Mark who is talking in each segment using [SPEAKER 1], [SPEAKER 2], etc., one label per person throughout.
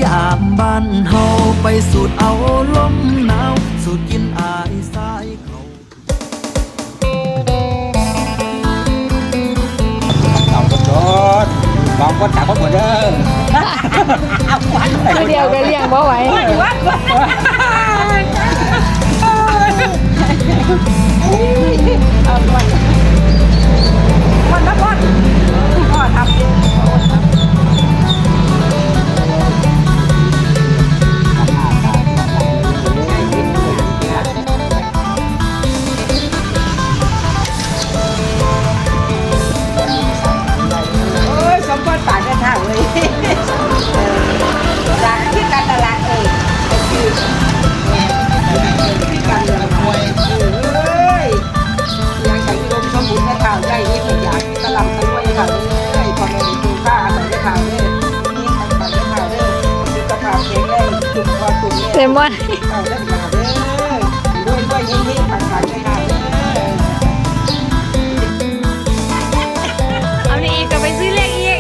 [SPEAKER 1] ยามบ้านเฮาไปสูดเอาลมหนาวสูดกินอายสายเขา
[SPEAKER 2] เอาคนรถลองคนถามคนหมดเด้อ
[SPEAKER 3] เดียวก็เลี้ยงบ่ไหว
[SPEAKER 4] วันละวันก็ทำสมบูรณ์ปากกันเท่าเลยจากที่การตลาดที่การเงินมวยยังใช้ลมสมุนในข่าวใหญ่นี่ผมอยากตลาดตะลุยข่าวเลยพอเราดูข้าใส่ข่าวเลยนี่ทำใส่ข่าวเลยสุขภาพแข็งแรงจุดคอตุ่มเนี่ย
[SPEAKER 3] เลมอน
[SPEAKER 4] เอาได้ข่าวเลยด้วยยิ่งๆผ่านๆได้ข่าวเลย
[SPEAKER 3] เอานี่อีกก็ไปซื้อเลขอีก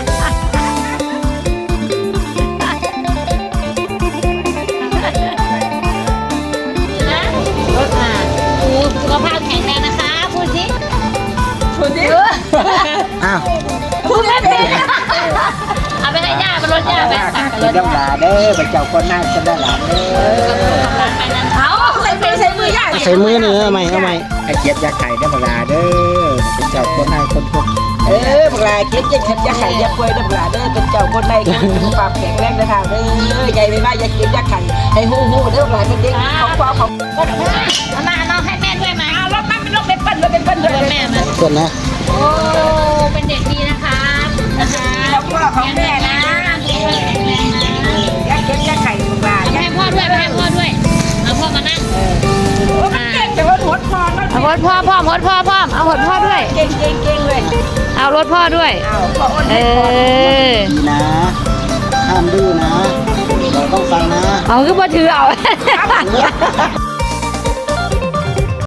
[SPEAKER 3] สุขภาพแข็งแรงนะคะพูดสิพูดสิ
[SPEAKER 2] อ้าว
[SPEAKER 3] พูดไม่เป็นเอาไปให้ย่าไปรถย่าไปตักกันร
[SPEAKER 2] เป็น
[SPEAKER 3] ถ
[SPEAKER 2] น้ำลาเด้อเป็นเจ้าคนหน้าคนด้านหลังเด้อ
[SPEAKER 3] เอาใส่มือย่า
[SPEAKER 2] ใส่มือเนื้อเอาใหม่ไอ้เจี๊ยบยาไข่น้ำลาเด้อเป็นเจ้าคนหน้าคนพวกบักลาเจี๊ยบยาไข่ยาควยน้ำลาเด้อเป็นเจ้าคนในคนสุขภาพแข็งแรงนะคะเด้อใหญ่ไม่ว่าอย่าเจี๊ยบยาไข่ให้หูเด้อบักลาเป็นเด็กของพ่อของ
[SPEAKER 3] เอามาน้องให้แม่ด้วยมา
[SPEAKER 4] เอารถมาเป็นรถเป็นเปิ้ลรถเป็นเปิ้ลเลย
[SPEAKER 3] แม่มา
[SPEAKER 2] ส่วนนะ
[SPEAKER 3] โอ้เป็นเด็กดีนะคะนะคะ
[SPEAKER 4] ของพ่อของแม่นะยาเก็บยาไข่ของลา
[SPEAKER 3] เอาให้พ่อด้วยให้พ่อด้วยเอาพ่อมานั่ง
[SPEAKER 4] เก่งแต่ว่าหดพอ
[SPEAKER 3] เอารถพ่อพร้อมรถพ่อพร้อมเอารถพ่อด้วย
[SPEAKER 4] เก่งเลย
[SPEAKER 3] เอารถพ่อด้วย
[SPEAKER 4] เอาพ่ออ้น
[SPEAKER 3] เออ
[SPEAKER 2] ดีนะห้ามดื้อนะเราต้องฟังนะ
[SPEAKER 3] เอาคือพ่อถือเอา
[SPEAKER 4] ครับ